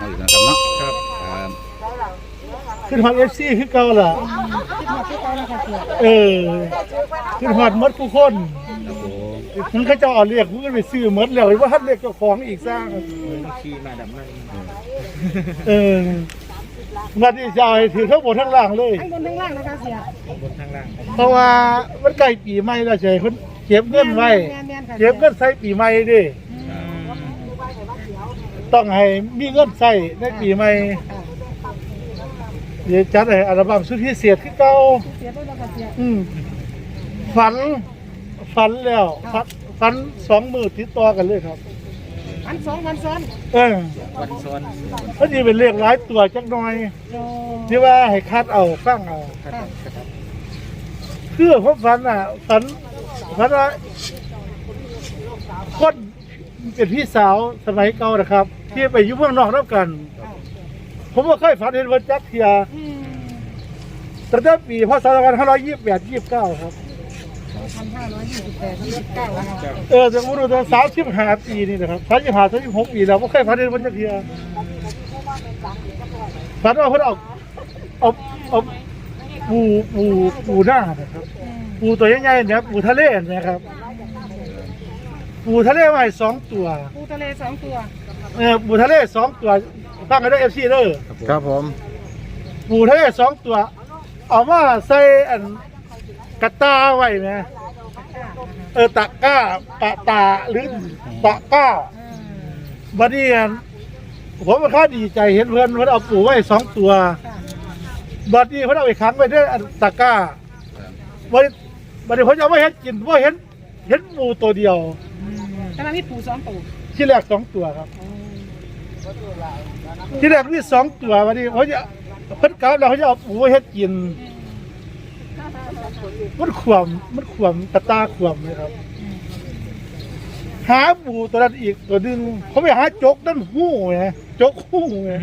เอาอีกนะครับเนาะครับขึ้นฮอตFCคือเก่าล่ะขึ้นฮอตหมดทุกคนมันก็จะเอาเรียกมันไปซื้อหมดแล้วว่าทันเรียกเจ้าของอีกสร้างขี่มาดับนั่นมาที่จะให้ถือทั้งบนทั้งล่างเลยทั้งบนทั้งล่างนะคะเสียบนทางล่างเพราะว่ามันใกล้ปีใหม่แล้วใช่คนเก็บเงินไว้เก็บเงินใส่ปีใหม่ดิต้องให้มีเงินใส่ในปีใหม่เดี๋ยวจัดให้อัลบั้มสุดพิเศษขึ้นเก่าฝันแล้วฝัน2 มื้อติดต่อกันเลยครับวันซ้อนวันซ้อนก็จะเป็นเลขหลายตัวจักหน่อยที่ว่าให้คัดเอาฟังเอาคือผมฝันว่าคนเป็นพี่สาวสมัยเก่านะครับที่ไปอยู่เมืองนอกแล้วกันผมก็เคยฝันเห็นวันจักรเทียตั้งแต่ปีพ.ศ. 2528-29ครับจะพูดถึง35 ปีนี่นะครับ35-36 ปีแล้วไม่เคยฝันเห็นวันจักรเทียฝันว่าเพิ่นเอาปูหน้านะครับปูตัวใหญ่ๆเนี่ยปูทะเลนะครับปูทะเลใหม่2 ตัวปูทะเล2 ตัวปูทะเล2 ตัวตั้งกันด้วย FC เด้อครับผมปูทะเล2 ตัวเอามาใส่อันกระตาไว้ไหมตะก้าปะตาหรือตะก้าบัดนี้ผมก็ดีใจเห็นเพื่อนเอาปูไว้2 ตัวบัดนี้เพิ่นเอาไปขังไว้ด้วยตะก้าบัดนี้ผมจะไม่เห็นกินว่าเห็นปูตัวเดียวแต่มันมีปู2 ตัวที่แรก2 ตัวครับที่แรกมี2 ตัวบัดนี้ผมจะเพิ่นกลับแล้วเขาจะเอาปูไว้เฮ็ดกินมันขวมตะตาขวมเลยครับหาปูตัวนั้นอีกตัวนึงเขาไปหาจกนั่นหู้ไงจกหู้ไง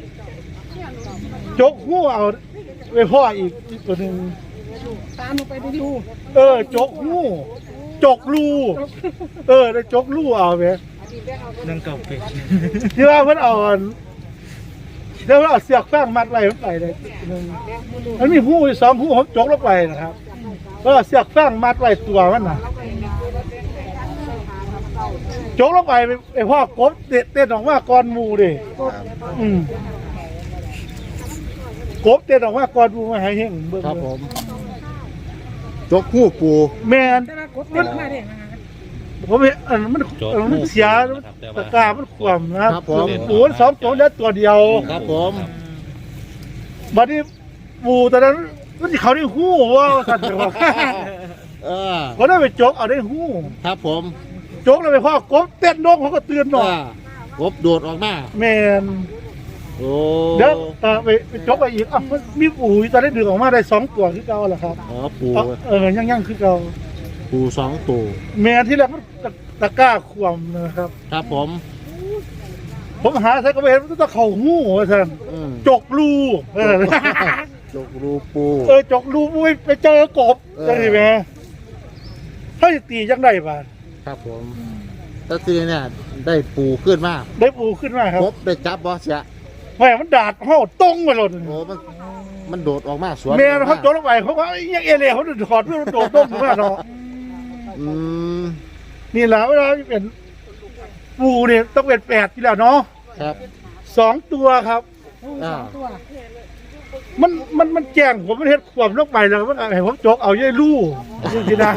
จกหู้เอาไปพ่ออีกตัวนึงตามลงไปดูจกหู้จกรูได้จกรูเอาไปนั่งเก่าเป็ดที่ว่าเพิ่นเอาเดี๋ยวเอาเสือกแป้งมัดไว้ไปเลยมันมีหู้2 หู้ผมจกลงไปนะครับก็เสือกแป้งมัดไว้ตัวมันน่ะจกลงไปไอ้พ่อกบเต้นออกมาก่อนหมูดิกบเต้นออกมาก่อนหมูมาให้เห็นเบิ่งครับผมจกหู้ปูแม่นผมเห็นมันเสียตะกร้ามันขวมนะครับปู2 ตัวแล้วตัวเดียวครับผมบัดนี้ปูตอนนั้นมันเขาได้หู้ว่าสัตว์บอกเขาได้ไปจกเอาได้หู้ครับผมจกแล้วไปพ่อกบเต้นนกเขาก็เตือนหน่อยกบโดดออกมาแมนโอ้เดี๋ยวไปจกไปอีกมีปูตอนได้ดึงออกมาได้2 ตัวคือเก่าแหละครับปูยังคือเก่าปู2 ตัวแมนที่แรกมันตะกร้าขวมนะครับครับผมหาใส่กระเบนมันต้องเข่าหู้ท่านจกรูจกรูปูจกรูปูไปเจอกบใช่ไหมถ้าจะตียังได้ป่ะครับผมถ้าตีเนี่ยได้ปูขึ้นมากครับกบได้จับบอสเสียแม่มันดาดห่อตรงมาหล่นโอ้มันโดดออกมาสวนแม่เขาโดดลงไปเขาว่ายังเอเล่เขาถอดเพื่อโดดต้มมาเนาะนี่แหละเวลาเป็นปูเนี่ยต้องเป็น8ที่แล้วเนาะครับ 2 ตัวครับมันแจ้งผมมันเฮ็ดขวบลงไปแล้วมันให้ผมจกเอาเย่ลู่จริงๆนะ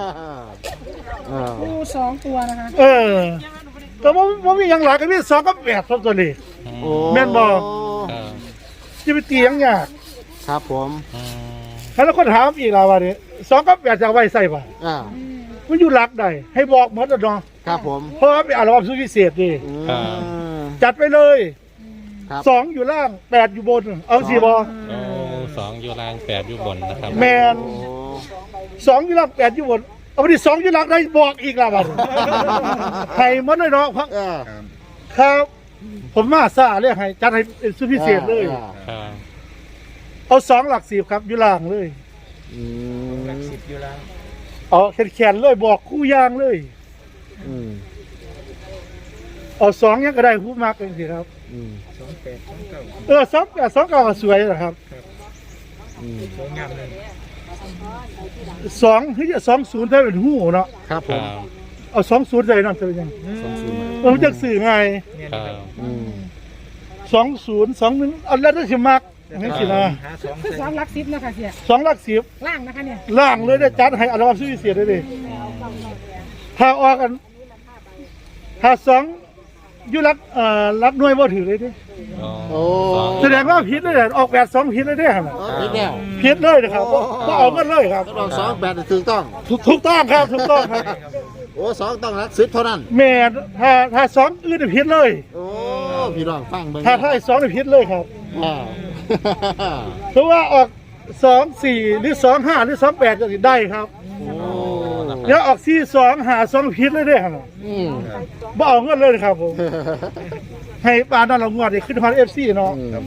ปู2 ตัวนะคะแต่ว่ามีอย่างหลายก็มี2 กับ 8ตัวนี้แม่นบ่จะไปตีอย่างยากครับผมแล้วคนถามอีกแล้วว่านี่2 กับ 8จะเอาไว้ใส่ป่ะมันอยู่หลักใดให้บอกหมดแล้วเนาะครับผมเพราะว่าเป็นอัลบั้มสุดพิเศษดิจัดไปเลย2อยู่ล่าง8อยู่บนเอาสิบ่ 2อยู่ล่าง8อยู่บนนะครับแมน2อยู่ล่าง8อยู่บนเอาไปดิ2อยู่ล่างได้บอกอีกแล้วบัดให้หมดเลยเนาะครับผมมาซ่าเรียกให้จัดให้เป็นสุดพิเศษเลยเอา2 หลัก 10ครับอยู่ล่างเลยหลัก 10อยู่ล่างแขนเลยบอกคู่ยางเลยเอาสองยังก็ได้ผู้มากเองสิครับอืมสองสองเก้าก็สวยนะครับอืมสองที่จะ20ถ้าเป็นหูเนาะครับผครัมบเอา20ใส่นั่นจะเป็นยัง 20 มันจะสื่อไงครับอืม 2021เอาแล้วถ้าสิมักนี่สินะคือสองหลักสิบนะคะเสีย 2หลัก10 ล่างนะคะเนี่ยล่างเลยได้จัดให้อัลบั้มสุดพิเศษได้ดิถ้าออกกันถ้า2อยู่รักหน่วยบ่ถือเลยดิโอ้แสดงว่าผิดเลยออกแบบ2ผิดเลยเด้ครับอ๋อผิดแล้วผิดเลยนะครับบ่เอากันเลยครับต้องเอา2 8ถูกต้องถูกต้องครับถูกต้องครับโอ้2ต้องรัก10เท่านั้นแม่ถ้า2อื่นผิดเลยโอ้พี่น้องฟังเบิ่งถ้าไอ้2นี่ผิดเลยครับอ่าเพราะว่าออก24หรือ25หรือ28ก็สิได้ครับโอ้แล้วออก42หา2ผิดเลยเด้ครับอืมบ่เอาเงินเลยครับผมให้ปานนั้นเรางวดนี่ขึ้นฮอด FC เนาะครับ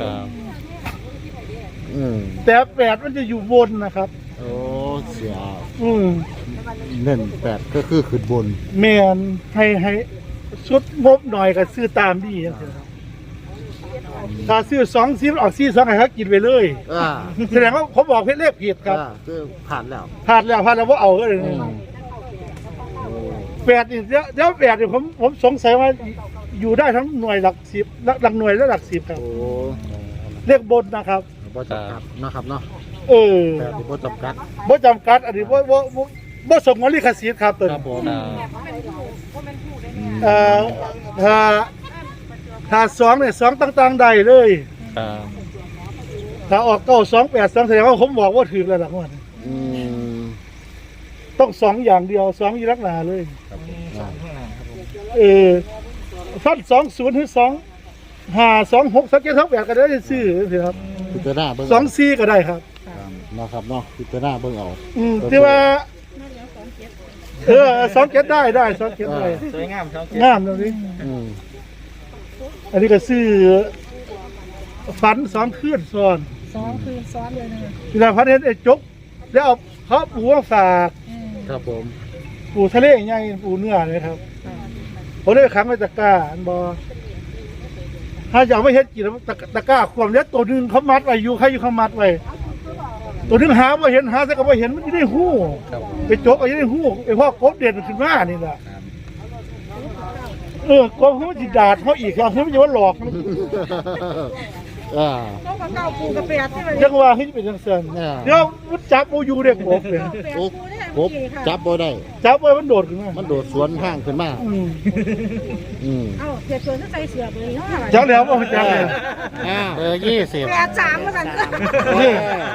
อืมแต่8มันจะอยู่บนนะครับโอ้เสียเน้น 8ก็คือขึ้นบนแม่นให้ชุดงบหน่อยก็ซื้อตามดีจังซี่ครับถ้าซื้อ2ออก42ให้เขากินไปเลยอ่าแสดงว่าผมบอกเลขผิดครับอ่าคือผ่านแล้วพลาดแล้วว่าเอาก็เลยอืม 8นี่เดี๋ยว8นี่ผมสงสัยว่าอยู่ได้ทั้งหน่วยหลัก10หลักหน่วยและหลัก10ครับโอ้เลขบนนะครับบ่จำกัดเนาะครับเนาะเออแต่ที่บ่จำกัดบ่จำกัดอันนี้บ่สมกับลิขสิทธิ์ครับตัวครันี้บผมเอ่อถ้า2เนี่ย2ต่างๆได้เลยครับถ้าออก928แสดงว่าผมบอกว่าถูกแล้วล่ะงวดนี้อืมต้อง2อย่างเดียว2อยู่ลักหนาเลยอ่าฟัน20ถึง2 5 2 6 2 7 2 8ก็ได้ซื้อสิครับพิจารณาเบิ่ง 2 4ก็ได้ครับเนาะครับเนาะพิจารณาเบิ่งเอาที่ว่า2 7ได้2 7ได้สวยงามงามตรงนี้อืมอันนี้ก็ซื้อฝัน2คืนซ้อน 2 คืนซ้อนเลยนะคะเวลาพันเห็นไอ้จกแล้วเอาเขาปูมาฝากครับผมปูทะเลใหญ่ปูเนื้อเลยครับผมได้ไปขังไว้ตะกร้าอันบอถ้าจะเอาไม่เฮ็ดกินตะกร้าความเล็กตัวหนึงเขามัดไว้อยู่ใครอยู่เขามัดไว้ตัวหนึงหาไม่เห็นหาแต่ก็ไม่เห็นมันจะได้หู้ไปจกเอาจะได้หู้ไอ้พ่อกบเด่นขึ้นมานี่แหละกบเขาจิดาดเขาอีกครับเขาไม่ใช่ว่าหลอกมันอ่าต้องกับเก้าปูกับแปดที่มันยังว่าให้เป็นจังซั่นเดี๋ยวมันจับโมยูเด็กกบเลยโอ้กบจับบ่ได้จับไว้มันโดดขึ้นมามันโดดสวนทางขึ้นมา อืมเอ้าเสียส่วนที่ใส่เสือเลยเนาะจับแล้วว่าจับแล้ว 20 8 3มาสั่นนี่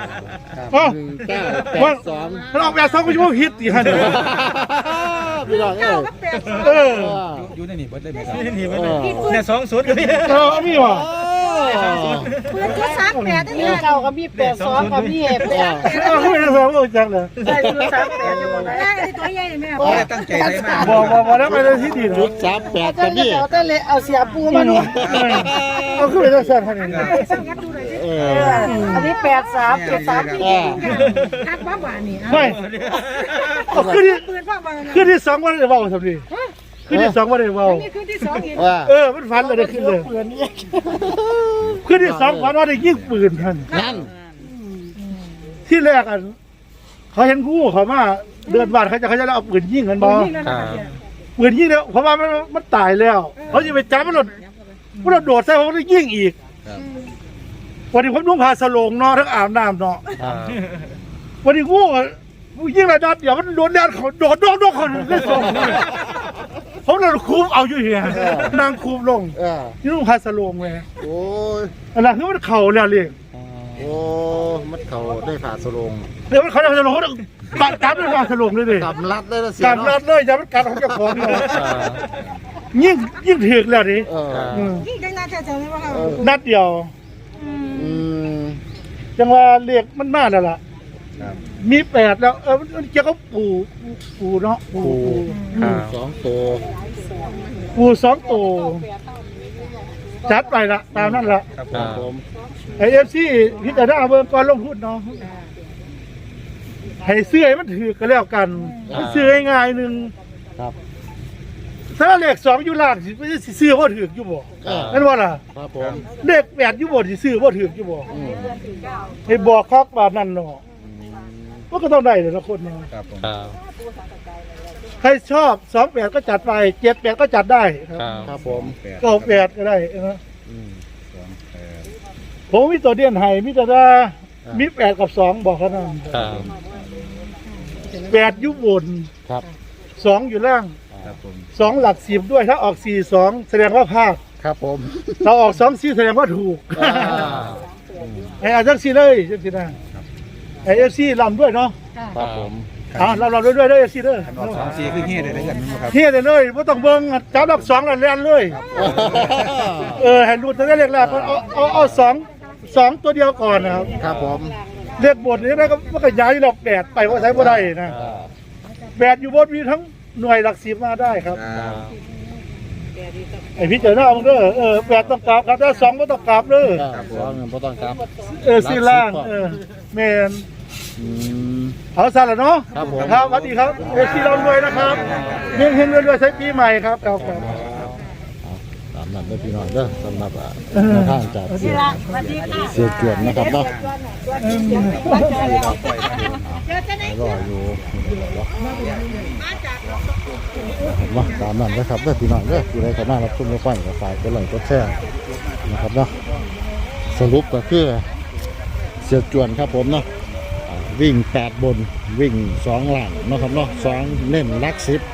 ว่า 1982 เราแบบ2ก็ชั่วโมงฮิตตีฮันพี่น้องเอ้ยกับ8 เอออยู่ในนี่เบิดได้ไหมครับเนี่ย 20ก็มีอันนี้ว่ะปืนจุด38ได้เลยเก้าก็มี82ก็มี8 เขาไม่ได้สองก็จังเลยใส่ชุด38อยู่บ่ได้แรกไอ้ตัวใหญ่แม่โอ้ยตั้งใจได้มากบอกแล้วไปเลยที่ดีจุนะด38 แต่ก็มีเอาแต่เลยเอาเสียปูมานี่เอาขึ้นไปจังซั่นฮันนี่สังกัดดูหน่อยสิเออันนี้83 73ที่คักบ้าบ้านี่ไม่เอาขึ้นที่ปืนพ่อบ้านะขึ้นที่2วันได้เว้าซั่นดิขึ้นที่2วันได้เว้านี่คืนที่2อีกว่ามันฝันเลยได้ขึ้นเลยเปืนนี่ขึ้นที่2ฝันว่าได้ยิงปืนท่านนั่นที่แรกอันเขาเห็นงูเขามาเดินบ้านเขาจะเอาปืนยิงกันบ่นี่แล้วนะเสียปืนยิงแล้วเพราะว่ามันตายแล้วเขาจะไปจับมันโดดใส่เขาได้ยิงอีกวันนี้ผมนุ่งผ้าสโลงเนาะทั้งอาบน้ำเนาะครับวันนี้งูยิงระดับเดี๋ยวมันโดนแดดเขาโดดเขาเล่นสองผมเลยคูบเอาอยู่เฮียนางคูบลง นี่นุ่งผ้าสโลงเลยโอ้ยอันนั้นคือมันเข่าแล้วเลยโอ้มันเขาได้ผ่าสลงเดี๋ยวมันเขาจะสโลงเขาจับด้วยผ้าสโลงเลยดิกำลัดเลยนะเสียกัดรัเนาะดเลยอย่ามันกัดของเจ้าของเลยยิ่งถึกแล้วดิเออยิ่งจังน่าจะเจอเลยว่านัดเดียวอืมจังว่าเรียกมันมาแล้วล่ะมี8แล้วมันเกี่ยวกับปูเนาะปูครับ 2ตัวปู2ตัวจัดไปละตามนั้นละครับผมไอFCพิจารณาเบิ่งก่อนลงทุนเนาะให้ซื้อให้มันถือก็แล้วกันมันซื้อง่ายๆนึงครับถ้าเลข2อยู่ล่างสิซื้อบ่ถูกอยู่บ่นั่นว่าล่ะครับผมเลข8อยู่บ่สิซื้อบ่ถูกอยู่บ่อืมให้บอกคักบาดนั้นเนาะมันก็ต้องได้เลยละคนเนาะครับผมครับใครชอบ28ก็จัดไป78ก็จัดได้คครัรับบครับผม 98ก็ได้นะอืมผมมีตัวเดียนให้มีแต่ว่ามี8กับ2บอกเขานั่นครับ 8อยู่บนครับ 2อยู่ล่างครับผม 2หลัก10ด้วยถ้าออก42แสดงว่าพลาดครับผมถ้าออก2 4แสดงว่าถูกอ่าไอ้อาจังซี่เลยจังซี่นะไอ้ FC ลำด้วยเนาะครับผมลำด้วยเด้อ FC เด้อขันออก2-4คือเฮ็ดได้กันนะครับเฮียได้เลยบ่ต้องเบิ่งจับดอก2แล้วแล่นเลยให้รู้ตั้งแต่เลขแรกเอา2ตัวเดียวก่อนนะครับครับผมเลขบทนี้นะก็มันก็ย้ายหลอก8ไปว่าใช้บ่ได้นะ8อยู่บนมีทั้งหน่วยหลัก10มาได้ครับครับไอ้พี่เจ้าหน้ามึงเด้อ8ต้องกลับครับถ้า2บ่ต้องกลับเด้อครับผมบ่ต้องครับซื้อล่างแม่นอืมเอาซะแล้วเนาะครับผมครับสวัสดีครับที่เรารวยนะครับเฮงๆรวยๆใช้ปีใหม่ครับครับตามนั้นเด้อพี่น้องเด้อสำหรับแนวทางจากเสียจวนนะครับเนาะรออยู่เห็นว่าตามนั้นนะครับเด้อพี่น้องเด้อผู้ใดเข้ามารับชมรับฟังก็ฝากกดไลค์กดแชร์นะครับเนาะสรุปก็คือเสียจวนครับผมเนาะวิ่ง8บนวิ่ง2หลังเนาะครับเนาะ2เน้นลัก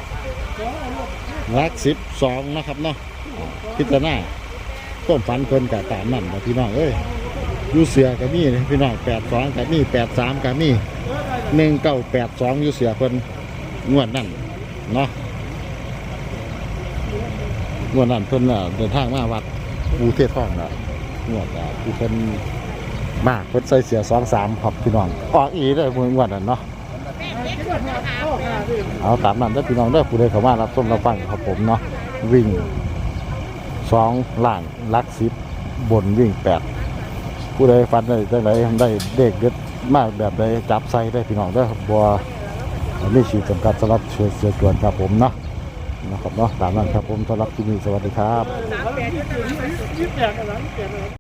10ลัก10 2นะครับเนาะพิจารณาต้มฝันเพิ่นกับตามนั่นนะพี่น้องเอ้ยอยู่เสือกับมีพี่น้อง82กับมี83กับมี1982อยู่เสือเพิ่นงวดนั่นเนาะงวดนั่นเพิ่นเดินทางมาวัดปูเทศทองน่ะงวดที่เพิ่นมาเพิ่นใส่เสือ23ครับพี่น้องออกอีได้งวดนั่นเนาะเอาตามนั้นเด้อพี่น้องเด้อผู้ใดเข้ามารับชมรับฟังครับผมเนาะวิ่ง2ล่างลัก10บนวิ่ง8ผู้ใดฟันได้จังไดได้เด็กเด็ดมากแบบใดจับใส่ได้พี่น้องเด้อบ่มีขีดจำกัดสำหรับเสือจวนครับผมเนาะนะครับเนาะตามนั้นครับผมสำหรับที่นี่สวัสดีครับ